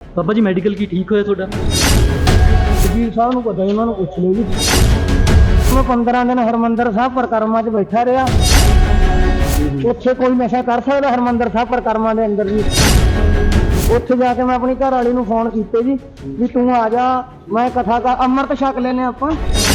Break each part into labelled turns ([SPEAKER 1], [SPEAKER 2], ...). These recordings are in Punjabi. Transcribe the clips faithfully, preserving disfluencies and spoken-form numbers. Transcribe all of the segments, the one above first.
[SPEAKER 1] ਬਾਬਾ ਜੀ ਮੈਡੀਕਲ ਕੀ ਠੀਕ ਹੋਇਆ ਤੁਹਾਡਾ?
[SPEAKER 2] ਵਕੀਲ ਸਾਹਿਬ ਨੂੰ ਪਤਾ, ਇਹਨਾਂ ਨੂੰ ਪੁੱਛ ਲਿਓ ਜੀ। ਮੈਂ ਪੰਦਰਾਂ ਦਿਨ ਹਰਮੰਦਰ ਸਾਹਿਬ ਪ੍ਰਕਰਮਾਂ 'ਚ ਬੈਠਾ ਰਿਹਾ। ਉੱਥੇ ਕੋਈ ਨਸ਼ਾ ਕਰ ਸਕਦਾ ਹਰਮੰਦਰ ਸਾਹਿਬ ਪ੍ਰਕਰਮਾਂ ਦੇ ਅੰਦਰ ਜੀ? ਉੱਥੇ ਜਾ ਕੇ ਮੈਂ ਆਪਣੀ ਘਰ ਵਾਲੀ ਨੂੰ ਫੋਨ ਕੀਤੇ ਜੀ ਵੀ ਤੂੰ ਆ ਜਾ, ਮੈਂ ਕਥਾ ਕਰ ਅੰਮ੍ਰਿਤ ਛਕ ਲੈਨੇ ਆਪਾਂ।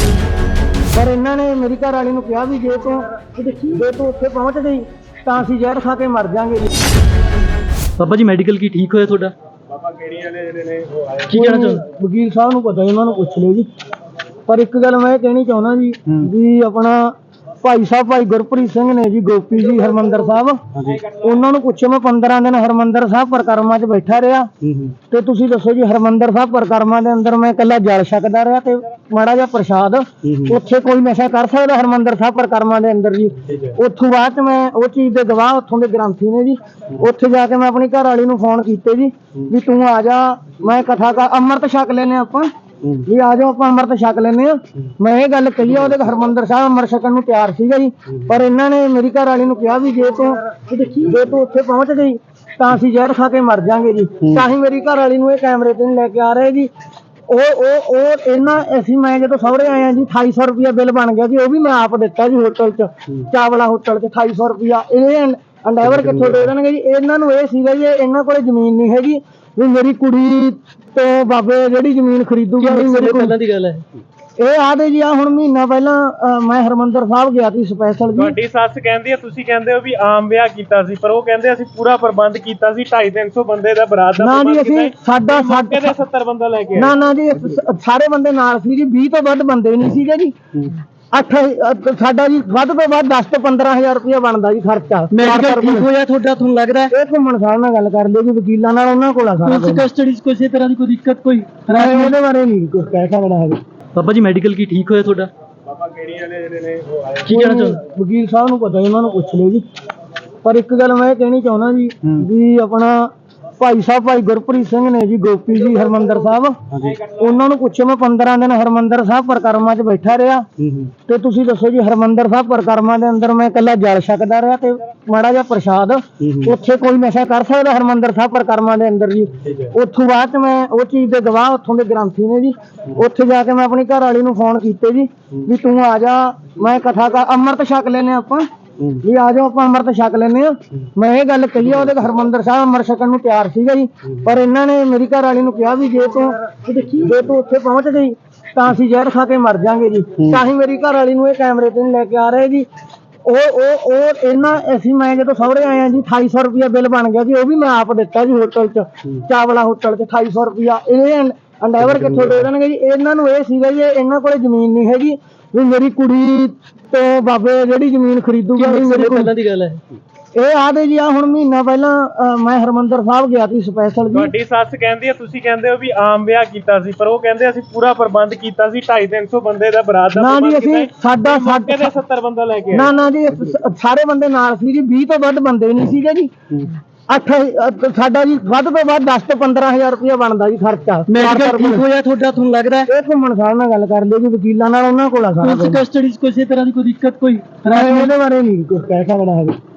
[SPEAKER 2] ਪਰ ਇਹਨਾਂ ਨੇ ਮੇਰੀ ਘਰ ਵਾਲੀ ਨੂੰ ਕਿਹਾ ਵੀ ਜੇ ਤੂੰ ਜੇ ਤੂੰ ਉੱਥੇ ਪਹੁੰਚ ਗਈ ਤਾਂ ਅਸੀਂ ਜ਼ਹਿਰ ਖਾ ਕੇ ਮਰ ਜਾਾਂਗੇ ਜੀ।
[SPEAKER 1] ਬਾਬਾ ਜੀ ਮੈਡੀਕਲ ਕੀ ਠੀਕ ਹੋਇਆ ਤੁਹਾਡਾ?
[SPEAKER 3] ਬਾਬਾ ਕਿਹੜੀ ਵਾਲੇ ਜਿਹੜੇ ਨੇ ਉਹ ਆਏ
[SPEAKER 1] ਕੀ ਕਹਿਣਾ ਚਾਹੁੰਦੇ?
[SPEAKER 2] ਵਕੀਲ ਸਾਹਿਬ ਨੂੰ ਪਤਾ, ਇਹਨਾਂ ਨੂੰ ਪੁੱਛ ਲਿਓ ਜੀ। ਪਰ ਇੱਕ ਗੱਲ ਮੈਂ ਇਹ ਕਹਿਣੀ ਚਾਹੁੰਦਾ ਜੀ ਵੀ ਆਪਣਾ ਭਾਈ ਸਾਹਿਬ ਭਾਈ ਗੁਰਪ੍ਰੀਤ ਸਿੰਘ ਨੇ ਜੀ, ਗੋਪੀ ਜੀ ਹਰਮੰਦਰ ਸਾਹਿਬ, ਉਹਨਾਂ ਨੂੰ ਪੁੱਛੋ ਮੈਂ ਪੰਦਰਾਂ ਦਿਨ ਹਰਮੰਦਰ ਸਾਹਿਬ ਪ੍ਰਕਰਮਾਂ 'ਚ ਬੈਠਾ ਰਿਹਾ ਤੇ ਤੁਸੀਂ ਦੱਸੋ ਜੀ ਹਰਮੰਦਰ ਸਾਹਿਬ ਪ੍ਰਕਰਮਾਂ ਦੇ ਅੰਦਰ ਮੈਂ ਇਕੱਲਾ ਜਲ ਛਕਦਾ ਰਿਹਾ ਤੇ ਮਾੜਾ ਜਿਹਾ ਪ੍ਰਸ਼ਾਦ। ਉੱਥੇ ਕੋਈ ਨਸ਼ਾ ਕਰ ਸਕਦਾ ਹਰਮੰਦਰ ਸਾਹਿਬ ਪ੍ਰਕਰਮਾਂ ਦੇ ਅੰਦਰ ਜੀ? ਉੱਥੋਂ ਬਾਅਦ 'ਚ ਮੈਂ ਉਹ ਚੀਜ਼ ਦੇ ਗਵਾਹ ਉੱਥੋਂ ਦੇ ਗ੍ਰੰਥੀ ਨੇ ਜੀ। ਉੱਥੇ ਜਾ ਕੇ ਮੈਂ ਆਪਣੀ ਘਰ ਵਾਲੀ ਨੂੰ ਫੋਨ ਕੀਤੇ ਜੀ ਵੀ ਤੂੰ ਆ ਜਾ, ਮੈਂ ਕਥਾ ਕਰ ਅੰਮ੍ਰਿਤ ਛਕ ਲੈਨੇ ਆਪਾਂ ਵੀ ਆ ਜਾਓ ਆਪਾਂ ਅੰਮ੍ਰਿਤ ਛਕ ਲੈਨੇ ਆ। ਮੈਂ ਇਹ ਗੱਲ ਕਹੀ ਆ, ਉਹਦੇ ਹਰਮੰਦਰ ਸਾਹਿਬ ਅੰਮ੍ਰਿਤ ਛਕਣ ਨੂੰ ਤਿਆਰ ਸੀਗਾ ਜੀ। ਪਰ ਇਹਨਾਂ ਨੇ ਮੇਰੀ ਘਰ ਵਾਲੀ ਨੂੰ ਕਿਹਾ ਵੀ ਜੇ ਤੂੰ ਜੇ ਤੂੰ ਉੱਥੇ ਪਹੁੰਚ ਗਈ ਤਾਂ ਅਸੀਂ ਜ਼ਹਿਰ ਖਾ ਕੇ ਮਰ ਜਾਾਂਗੇ ਜੀ। ਤਾਂ ਹੀ ਮੇਰੀ ਘਰ ਵਾਲੀ ਨੂੰ ਇਹ ਕੈਮਰੇ ਤੇ ਨਹੀਂ ਲੈ ਕੇ ਆ ਰਹੇ ਜੀ। ਉਹ ਉਹ ਉਹ ਇਹਨਾਂ ਅਸੀਂ ਮੈਂ ਜਦੋਂ ਸਹੁਰੇ ਆਏ ਆ ਜੀ ਅਠਾਈ ਸੌ ਰੁਪਇਆ ਬਿੱਲ ਬਣ ਗਿਆ ਜੀ। ਉਹ ਵੀ ਮੈਂ ਆਪ ਦਿੱਤਾ ਜੀ ਹੋਟਲ 'ਚ, ਚਾਵਲਾ ਹੋਟਲ 'ਚ ਅਠਾਈ ਸੌ ਰੁਪਇਆ। ਇਹ ਅੰਡੈਵਰ ਕਿੱਥੋਂ ਦੇ ਦੇਣਗੇ ਜੀ? ਇਹਨਾਂ ਨੂੰ ਇਹ ਸੀਗਾ ਜੀ ਇਹਨਾਂ ਕੋਲੇ ਜ਼ਮੀਨ ਨਹੀਂ ਹੈਗੀ ਵੀ ਮੇਰੀ ਕੁੜੀ ਤੋਂ ਬਾਬੇ ਜਿਹੜੀ ਜ਼ਮੀਨ ਖਰੀਦੂਗਾ। ਮੇਰੀ
[SPEAKER 1] ਪਹਿਲਾਂ ਦੀ ਗੱਲ ਹੈ
[SPEAKER 2] ਇਹ ਆਦੇ ਜੀ। ਆ ਹੁਣ ਮਹੀਨਾ ਪਹਿਲਾਂ ਮੈਂ ਹਰਮੰਦਰ ਸਾਹਿਬ ਗਿਆ ਸੀ ਸਪੈਸ਼ਲ ਜੀ।
[SPEAKER 3] ਤੁਹਾਡੀ ਸੱਸ ਕਹਿੰਦੀ ਆ, ਤੁਸੀਂ ਕਹਿੰਦੇ ਹੋ ਵੀ ਆਮ ਵਿਆਹ ਕੀਤਾ ਸੀ, ਪਰ ਉਹ ਕਹਿੰਦੇ ਅਸੀਂ ਪੂਰਾ ਪ੍ਰਬੰਧ ਕੀਤਾ ਸੀ। ਢਾਈ ਤਿੰਨ ਸੌ ਬੰਦੇ ਦਾ ਬਰਾਤ ਦਾ
[SPEAKER 2] ਨਾ ਜੀ ਅਸੀਂ ਸਾਡਾ
[SPEAKER 3] ਸਾਡੇ ਦੇ ਸੱਤਰ ਬੰਦਾ ਲੈ ਕੇ
[SPEAKER 2] ਨਾ ਨਾ ਜੀ ਸਾਰੇ ਬੰਦੇ ਨਾਲ ਸੀ ਜੀ। ਵੀਹ ਤੋਂ ਵੱਧ ਬੰਦੇ ਨਹੀਂ ਸੀਗੇ ਜੀ। ਅੱਠ ਸਾਡਾ ਜੀ ਵੱਧ ਤੋਂ ਵੱਧ ਦਸ ਤੋਂ ਪੰਦਰਾਂ ਹਜ਼ਾਰ ਰੁਪਇਆ ਬਣਦਾ ਜੀ ਖਰਚਾ।
[SPEAKER 1] ਮੈਡੀਕਲ ਠੀਕ ਹੋਇਆ ਤੁਹਾਡਾ ਤੁਹਾਨੂੰ ਲੱਗਦਾ?
[SPEAKER 2] ਇਹ ਘੁੰਮਣ ਸਾਹਿਬ ਨਾਲ ਗੱਲ ਕਰ ਲਿਓ ਜੀ, ਵਕੀਲਾਂ ਨਾਲ, ਉਹਨਾਂ ਕੋਲ ਆ ਸਾਰਾ
[SPEAKER 1] ਪੁਲਿਸ ਕਸਟਡੀ 'ਚ ਕਿਸੇ ਤਰ੍ਹਾਂ ਦੀ ਕੋਈ ਦਿੱਕਤ ਕੋਈ?
[SPEAKER 2] ਮੈਂ ਉਹਦੇ ਬਾਰੇ ਨਹੀਂ ਕੁਝ ਕਹਿ ਸਕਦਾ ਹੈਗਾ।
[SPEAKER 1] ਬਾਬਾ ਜੀ ਮੈਡੀਕਲ ਕੀ ਠੀਕ ਹੋਇਆ ਤੁਹਾਡਾ?
[SPEAKER 3] ਬਾਬਾ ਕਿਹੜੀ ਵਾਲੇ ਜਿਹੜੇ ਨੇ ਉਹ ਆਏ
[SPEAKER 1] ਕੀ ਕਹਿਣਾ ਚਾਹੁੰਦੇ?
[SPEAKER 2] ਵਕੀਲ ਸਾਹਿਬ ਨੂੰ ਪਤਾ, ਇਹਨਾਂ ਨੂੰ ਪੁੱਛ ਲਿਓ ਜੀ। ਪਰ ਇੱਕ ਗੱਲ ਮੈਂ ਇਹ ਕਹਿਣੀ ਚਾਹੁੰਦਾ ਜੀ ਵੀ ਆਪਣਾ ਭਾਈ ਸਾਹਿਬ ਭਾਈ ਗੁਰਪ੍ਰੀਤ ਸਿੰਘ ਨੇ ਜੀ, ਗੋਪੀ ਜੀ ਹਰਮੰਦਰ ਸਾਹਿਬ, ਉਹਨਾਂ ਨੂੰ ਪੁੱਛੋ ਮੈਂ ਪੰਦਰਾਂ ਦਿਨ ਹਰਮੰਦਰ ਸਾਹਿਬ ਪ੍ਰਕਰਮਾਂ 'ਚ ਬੈਠਾ ਰਿਹਾ ਤੇ ਤੁਸੀਂ ਦੱਸੋ ਜੀ ਹਰਮੰਦਰ ਸਾਹਿਬ ਪ੍ਰਕਰਮਾਂ ਦੇ ਅੰਦਰ ਮੈਂ ਇਕੱਲਾ ਜਲ ਛਕਦਾ ਰਿਹਾ ਤੇ ਮਾੜਾ ਜਿਹਾ ਪ੍ਰਸ਼ਾਦ। ਉੱਥੇ ਕੋਈ ਨਸ਼ਾ ਕਰ ਸਕਦਾ ਹਰਮੰਦਰ ਸਾਹਿਬ ਪ੍ਰਕਰਮਾਂ ਦੇ ਅੰਦਰ ਜੀ? ਉੱਥੋਂ ਬਾਅਦ 'ਚ ਮੈਂ ਉਹ ਚੀਜ਼ ਦੇ ਗਵਾਹ ਉੱਥੋਂ ਦੇ ਗ੍ਰੰਥੀ ਨੇ ਜੀ। ਉੱਥੇ ਜਾ ਕੇ ਮੈਂ ਆਪਣੀ ਘਰ ਵਾਲੀ ਨੂੰ ਫੋਨ ਕੀਤੇ ਜੀ ਵੀ ਤੂੰ ਆ ਜਾ, ਮੈਂ ਕਥਾ ਕਰ ਅੰਮ੍ਰਿਤ ਛਕ ਲੈਨੇ ਆਪਾਂ ਵੀ ਆ ਜਾਓ ਆਪਾਂ ਅੰਮ੍ਰਿਤ ਛਕ ਲੈਨੇ ਆ। ਮੈਂ ਇਹ ਗੱਲ ਕਹੀ ਆ, ਉਹਦੇ ਹਰਮੰਦਰ ਸਾਹਿਬ ਅੰਮ੍ਰਿਤ ਛਕਣ ਨੂੰ ਤਿਆਰ ਸੀਗਾ ਜੀ। ਪਰ ਇਹਨਾਂ ਨੇ ਮੇਰੀ ਘਰ ਵਾਲੀ ਨੂੰ ਕਿਹਾ ਵੀ ਜੇ ਤੂੰ ਜੇ ਤੂੰ ਉੱਥੇ ਪਹੁੰਚ ਗਈ ਤਾਂ ਅਸੀਂ ਜ਼ਹਿਰ ਖਾ ਕੇ ਮਰ ਜਾਾਂਗੇ ਜੀ। ਤਾਂ ਹੀ ਮੇਰੀ ਘਰ ਵਾਲੀ ਨੂੰ ਇਹ ਕੈਮਰੇ ਤੇ ਨਹੀਂ ਲੈ ਕੇ ਆ ਰਹੇ ਜੀ। ਉਹ ਉਹ ਉਹ ਇਹਨਾਂ ਅਸੀਂ ਮੈਂ ਜਦੋਂ ਸਹੁਰੇ ਆਏ ਆ ਜੀ ਅਠਾਈ ਸੌ ਰੁਪਇਆ ਬਿੱਲ ਬਣ ਗਿਆ ਜੀ। ਉਹ ਵੀ ਮੈਂ ਆਪ ਦਿੱਤਾ ਜੀ ਹੋਟਲ 'ਚ, ਚਾਵਲਾ ਹੋਟਲ 'ਚ ਅਠਾਈ ਸੌ ਰੁਪਇਆ। ਇਹ ਅੰਡੈਵਰ ਕਿੱਥੋਂ ਦੇ ਦੇਣਗੇ ਜੀ? ਇਹਨਾਂ ਨੂੰ ਇਹ ਸੀਗਾ ਜੀ ਇਹਨਾਂ ਕੋਲੇ ਜ਼ਮੀਨ ਨਹੀਂ ਹੈਗੀ ਵੀ ਮੇਰੀ ਕੁੜੀ ਤੋਂ ਬਾਬੇ ਜਿਹੜੀ ਜ਼ਮੀਨ ਖਰੀਦੂਗਾ। ਮੇਰੀ
[SPEAKER 1] ਪਹਿਲਾਂ ਦੀ ਗੱਲ ਹੈ
[SPEAKER 2] ਇਹ ਆਦੇ ਜੀ। ਆ ਹੁਣ ਮਹੀਨਾ ਪਹਿਲਾਂ ਮੈਂ ਹਰਮੰਦਰ ਸਾਹਿਬ ਗਿਆ ਸੀ ਸਪੈਸ਼ਲ ਜੀ।
[SPEAKER 3] ਤੁਹਾਡੀ ਸੱਸ ਕਹਿੰਦੀ ਆ, ਤੁਸੀਂ ਕਹਿੰਦੇ ਹੋ ਵੀ ਆਮ ਵਿਆਹ ਕੀਤਾ ਸੀ, ਪਰ ਉਹ ਕਹਿੰਦੇ ਅਸੀਂ ਪੂਰਾ ਪ੍ਰਬੰਧ ਕੀਤਾ ਸੀ। ਢਾਈ ਤਿੰਨ ਸੌ ਬੰਦੇ ਦਾ ਬਰਾਤ ਦਾ
[SPEAKER 2] ਨਾ ਜੀ ਅਸੀਂ ਸਾਡਾ
[SPEAKER 3] ਸਾਡੇ ਦੇ ਸੱਤਰ ਬੰਦਾ ਲੈ ਕੇ
[SPEAKER 2] ਨਾ ਨਾ ਜੀ ਸਾਰੇ ਬੰਦੇ ਨਾਲ ਸੀ ਜੀ। ਵੀਹ ਤੋਂ ਵੱਧ ਬੰਦੇ ਨਹੀਂ ਸੀਗੇ ਜੀ। ਅੱਠ ਸਾਡਾ ਜੀ ਵੱਧ ਤੋਂ ਵੱਧ ਦਸ ਤੋਂ ਪੰਦਰਾਂ ਹਜ਼ਾਰ ਰੁਪਇਆ ਬਣਦਾ ਜੀ ਖਰਚਾ।
[SPEAKER 1] ਮੈਡੀਕਲ ਠੀਕ ਹੋਇਆ ਤੁਹਾਡਾ ਤੁਹਾਨੂੰ ਲੱਗਦਾ?
[SPEAKER 2] ਇਹ ਘੁੰਮਣ ਸਾਹਿਬ ਨਾਲ ਗੱਲ ਕਰ ਲਿਓ ਜੀ, ਵਕੀਲਾਂ ਨਾਲ, ਉਹਨਾਂ ਕੋਲ ਆ ਸਾਰਾ
[SPEAKER 1] ਪੁਲਿਸ ਕਸਟਡੀ 'ਚ ਕਿਸੇ ਤਰ੍ਹਾਂ ਦੀ ਕੋਈ ਦਿੱਕਤ ਕੋਈ?
[SPEAKER 2] ਮੈਂ ਉਹਦੇ ਬਾਰੇ ਨਹੀਂ ਕੁਝ ਕਹਿ ਸਕਦਾ ਹੈਗਾ।